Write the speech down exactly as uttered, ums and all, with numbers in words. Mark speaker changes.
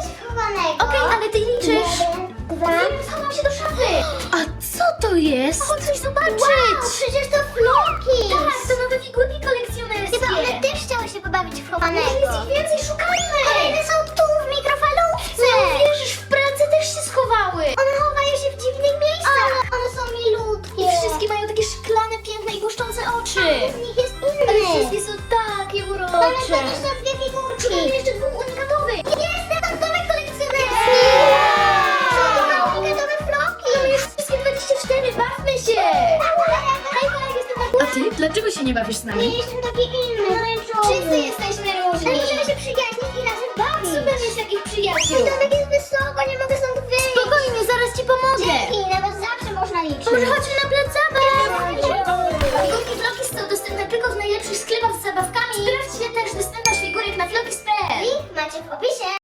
Speaker 1: wchowanego.
Speaker 2: Okej, ale ty liczysz.
Speaker 1: Jeden, dwa.
Speaker 2: Schowam się do szafy. A co to jest? Chodź coś zobaczyć.
Speaker 1: Wow, przecież to floki.
Speaker 2: Tak, to nowe figurki kolekcjonerskie.
Speaker 1: Chyba one też chciały się pobawić w
Speaker 2: Może
Speaker 1: chowanego.
Speaker 2: jest ich więcej, szukajmy.
Speaker 1: Ale one są tu, w mikrofalówce.
Speaker 2: Nie wierzysz, w pracy też się schowały.
Speaker 1: One chowają się w dziwnych miejscach. One są milutkie.
Speaker 2: I wszystkie mają takie szklane, piękne i błyszczące oczy.
Speaker 1: Z nich jest
Speaker 2: Ale
Speaker 1: inny.
Speaker 2: wszystkie są takie
Speaker 1: Ale
Speaker 2: urocze.
Speaker 1: to jeszcze dwie figurki.
Speaker 2: Szukamy jeszcze dwóch unikatowych.
Speaker 1: Jest ten domek kolekcjonerski. Są to unikatowe floki.
Speaker 2: Mamy już wszystkie dwadzieścia cztery, bawmy się.
Speaker 1: Hej, kolega, jestem na
Speaker 2: A ty? Dlaczego się nie bawisz z
Speaker 1: Nie,
Speaker 2: nami?
Speaker 1: jestem taki inny, pomarańczowy.
Speaker 2: Wszyscy jesteśmy różni.
Speaker 1: Ale możemy się przyjaźnić i razem bawić.
Speaker 2: Super jest jakich
Speaker 1: Mój
Speaker 2: przyjaciół.
Speaker 1: domek jest wysoko, nie mogę stąd wyjść.
Speaker 2: Spokojnie, zaraz ci pomogę.
Speaker 1: Dzięki, na was zawsze można liczyć.
Speaker 2: Może chodźmy na plac zabaw. Figurki Floki są dostępne tylko w najlepszych sklepach z zabawkami. Sprawdźcie też dostępność figurek na Floki kropka p l.
Speaker 1: Link macie w opisie.